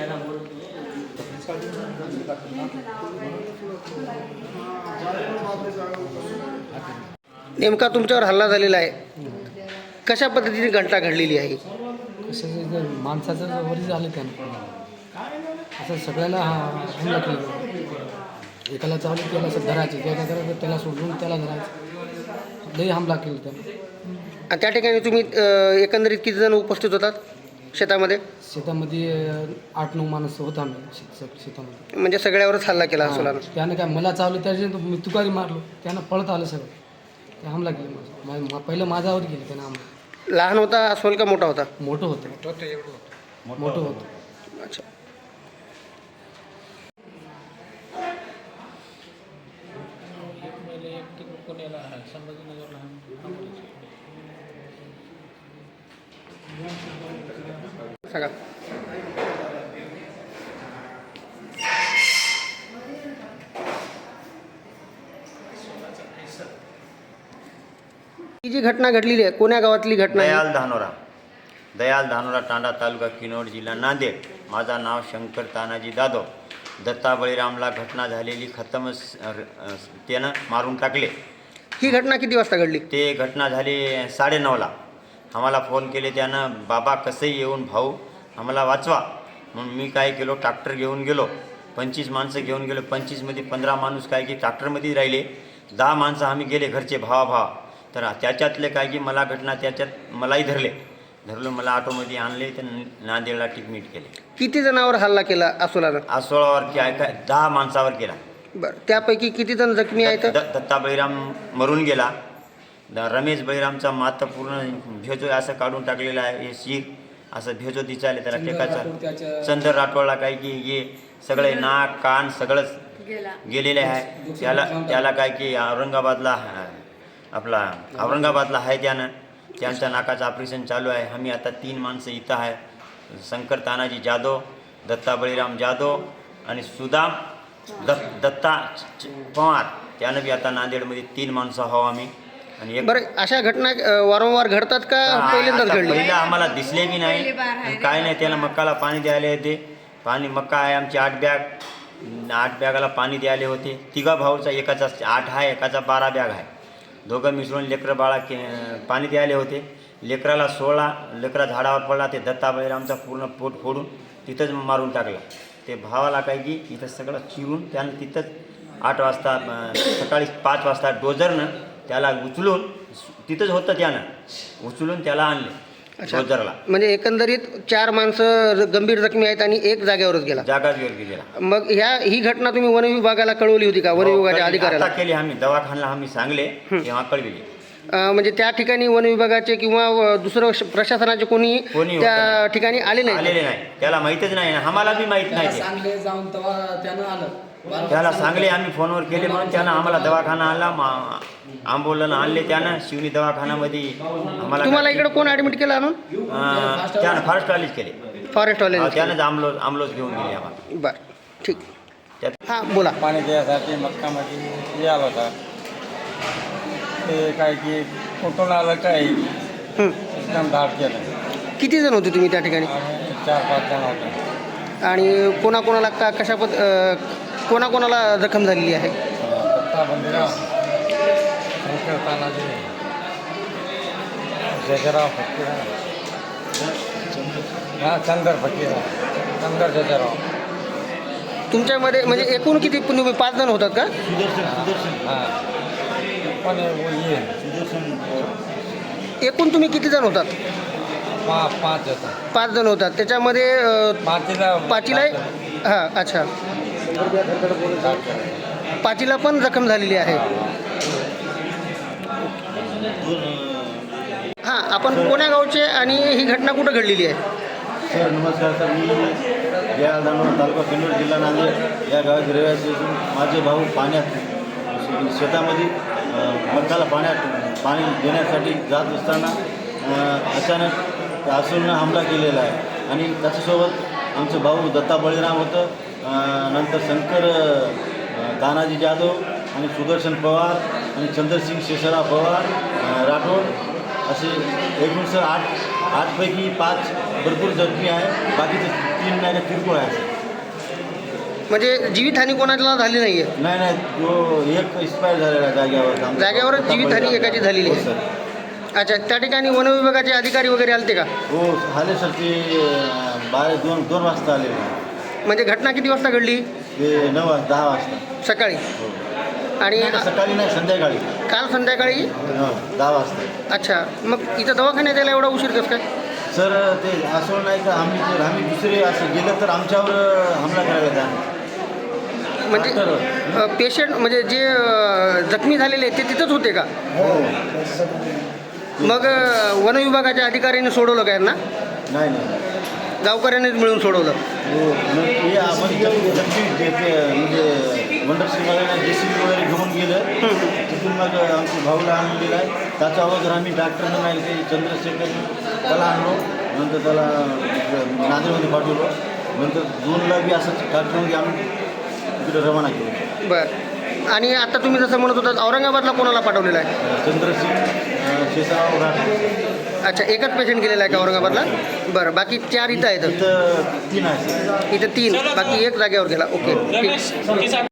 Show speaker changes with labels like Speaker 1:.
Speaker 1: नेमका तुमच्यावर हल्ला झालेला आहे, कशा पद्धतीने घटना घडलेली आहे?
Speaker 2: कसं माणसाचं वरी झालं त्यानं असं सगळ्याला हमला केला. एकाला चालू त्याला असं धरायचे, त्याला धरायचं, त्याला सोडून त्याला धरायचं, लई हमला केला त्यानं.
Speaker 1: आणि त्या ठिकाणी तुम्ही एकंदरीत किती जण उपस्थित होतात शेतामध्ये?
Speaker 2: शेतामध्ये 8-9 माणसं होता आम्ही शेतामध्ये.
Speaker 1: म्हणजे सगळ्यावरच हल्ला केला असला?
Speaker 2: त्यानं काय मला चालू त्याच्या मी तुकारी मारलो, त्यानं पळत आलं सगळं, ते हमला केलं माझं. पहिलं माझ्यावर गेलं त्यानं हमला.
Speaker 1: लहान होता अस्वल का मोठा होता?
Speaker 2: मोठं होतं. मोठं होतं.
Speaker 1: अच्छा. सांगा. ही जी घटना घडलेली आहे, कोण्या गावातली घटना आहे?
Speaker 3: दयाल धानोरा तांडा तालुका किनवट जिल्हा नांदेड. माझा नाव शंकर तानाजी जाधव. दत्ता बळीरामला घटना झालेली खतमच त्यानं मारून टाकले.
Speaker 1: ही घटना किती वाजता घडली?
Speaker 3: ते घटना झाली 9:30ला. आम्हाला फोन केले त्यानं, बाबा कसंही येऊन भाऊ आम्हाला वाचवा. म्हणून मी काय केलो, ट्रॅक्टर घेऊन गेलो. 25 माणसं घेऊन गेलो. 25मध्ये 15 माणूस काय की ट्रॅक्टरमध्ये राहिले. 10 माणसं आम्ही गेले घरचे भावा. तर त्याच्यातले काय की मला घटना त्याच्यात मलाही धरलं, मला ऑटोमध्ये आणले, तर नांदेडला टिकमीट केले.
Speaker 1: किती जणांवर हल्ला केला अस्वलानं?
Speaker 3: अस्वलावर काय 10 माणसावर केला.
Speaker 1: बरं, त्यापैकी किती जण जखमी आहेत?
Speaker 3: दत्ता बळीराम मरून गेला. रमेश बळीरामचा माता पूर्ण भेजो असं काढून टाकलेला आहे. हे शिर असं भेजो दिसायला त्याला टेकाचा. चंदर राठोडला काय की हे सगळे नाक कान सगळंच गेलेले आहे. त्याला काय की औरंगाबादला आहे त्यांच्या नाकाचं ऑपरेशन चालू आहे. आम्ही आता 3 माणसं इथं आहे. शंकर तानाजी जाधव, दत्ता बळीराम जाधव आणि सुदाम दत्ता पवार. त्यानं बी आता नांदेडमध्ये 3 माणसं आहोत आम्ही. आणि
Speaker 1: बरं, अशा घटना वारंवार घडतात का पहिल्यांदाच घडली?
Speaker 3: पहिला आम्हाला दिसले बी नाही, काय नाही. त्याला मक्काला पाणी द्यायला येते. मक्का आहे आमची 8 बॅगाला पाणी द्यायला होते. 3 भाऊचा, एकाचा 8 आहे, एकाचा 12 बॅग आहे. दोघं मिसळून लेकरं बाळा पाणी द्यायला होते. लेकराला 16 लेकरा झाडावर पडला. ते दत्ता बळीरामचा पूर्ण पोट फोडून तिथंच मारून टाकला. ते भावाला काय की इथं सगळं चिरून त्यानं तिथंच 8 वाजता सकाळी 5 वाजता डोजरनं त्याला उचलून, तिथंच होतं त्यानं उचलून त्याला आणले डोजरला.
Speaker 1: म्हणजे एकंदरीत 4 माणसं गंभीर जखमी आहेत आणि 1 जागेवरच गेला.
Speaker 3: गेला.
Speaker 1: मग ही घटना तुम्ही वन विभागाला कळवली होती का? वन विभागाच्या अधिकाऱ्याला
Speaker 3: केली आम्ही, दवाखान्याला आम्ही सांगले तेव्हा कळविले.
Speaker 1: म्हणजे त्या ठिकाणी वन विभागाचे किंवा दुसरं प्रशासनाचे कोणी त्या ठिकाणी आलेले नाही?
Speaker 3: त्याला माहीतच नाही, आम्हाला बी माहीत नाही.
Speaker 2: सांगले जाऊन तेव्हा त्यानं आलं,
Speaker 3: त्याला सांगले आम्ही फोनवर केले म्हणून त्यानं आम्हाला दवाखाना आणला. आंबोलन आणले त्यानं शिवनी दवाखान्यामध्ये. आम्हाला
Speaker 1: तुम्हाला इकडे कोण ॲडमिट केलं आणून?
Speaker 3: त्यानं फॉरेस्टवालेच केले.
Speaker 1: फॉरेस्टवाले
Speaker 3: त्यानंच आमलोच घेऊन गेले आम्हाला.
Speaker 1: बरं, ठीक. हां, बोला.
Speaker 4: पाणी द्यायसाठी मक्कामध्ये आला होता. ते काय की कुठून आलं काय एकदम धाड केलं.
Speaker 1: किती जण होते तुम्ही त्या ठिकाणी?
Speaker 4: 4-5 जण होते.
Speaker 1: आणि कोणाकोणाला कोणाकोणाला जखम झालेली आहे?
Speaker 4: दत्ता बळीराम, शंकर तानाजी, जजराव फकीरा, चंदर जजराव.
Speaker 1: तुमच्यामध्ये म्हणजे एकूण किती? तुम्ही 5 जण होतात का?
Speaker 4: हां, पण ये
Speaker 1: एकूण तुम्ही किती जण होतात?
Speaker 4: 5 होता.
Speaker 1: 5 जण होतात. त्याच्यामध्ये 5ला हां, अच्छा, 5ला पण जखम झालेली आहे. हां, आपण कोण्या गावचे आणि ही घटना कुठं घडलेली आहे?
Speaker 5: सर नमस्कार सर, मी दयाल धानोरा तालुका किनवट जिल्हा नांदेड या गावात रहिवासी असून माझे भाऊ पाण्यात शेतामध्ये मक्काला पाणी देण्यासाठी जात असताना अचानक अस्वलानं हमला केलेला आहे. आणि त्याच्यासोबत आमचे भाऊ दत्ता बळीराम होतं, नंतर शंकर तानाजी जाधव आणि सुदर्शन पवार आणि चंद्रसिंग शेषराव पवार राठोड असे एकूण सर 8 पैकी 5 भरपूर जखमी आहे. बाकीचे 3 नाही का किरकोळ आहे.
Speaker 1: म्हणजे जीवितहानी कोणाला झाली नाही आहे?
Speaker 5: नाही नाही, जो एक एक्सपायर झालेला आहे जाग्यावर.
Speaker 1: जाग्यावरच जीवितहानी एकाची झालेली
Speaker 5: हो
Speaker 1: आहे.
Speaker 5: सर.
Speaker 1: अच्छा, त्या ठिकाणी वन विभागाचे अधिकारी वगैरे आलते का?
Speaker 5: हो आले सर, ते 2 वाजता आले.
Speaker 1: म्हणजे घटना किती वाजता घडली?
Speaker 5: ते 10 वाजता
Speaker 1: सकाळी.
Speaker 5: हो.
Speaker 1: आणि
Speaker 5: नाही, सकाळी नाही, संध्याकाळी.
Speaker 1: काल संध्याकाळी?
Speaker 5: 10 वाजता.
Speaker 1: अच्छा, मग इथं दवाखान्यात यायला एवढा उशीर कसं काय?
Speaker 5: सर ते असं नाही का आम्ही दुसरे असं गेलं तर आमच्यावर हमला करायला द्या.
Speaker 1: म्हणजे पेशंट म्हणजे जे जखमी झालेले ते तिथंच होते का?
Speaker 5: हो.
Speaker 1: मग वन विभागाच्या अधिकाऱ्यांनी सोडवलं का यांना?
Speaker 5: नाही नाही.
Speaker 1: गावकऱ्यांनीच मिळून सोडवलं?
Speaker 5: हो, मग हे आपण जखमी म्हणजे वंडरशिवाला JCB वगैरे घेऊन गेलं. तिथून मग आमच्या भाऊला आणलेलं आहे. त्याच्या अगोदर आम्ही डॉक्टरनं नाही ते चंद्रशेखर त्याला आणलो. नंतर त्याला नांदेडमध्ये पाठवलं. नंतर 2ला बी असंच डॉक्टरमध्ये आम्ही तिकडे रवाना केलं.
Speaker 1: बरं. आणि आता तुम्ही जसं म्हणत होता औरंगाबादला कोणाला पाठवलेलं आहे?
Speaker 5: चंद्रसिंग शेषराव राठ.
Speaker 1: अच्छा, एकच पेशंट गेलेला आहे का औरंगाबादला? बरं, बाकी 4 इथं आहेत?
Speaker 5: इथं 3 आहे.
Speaker 1: इथं 3, बाकी 1 जागेवर गेला. ओके, ठीक.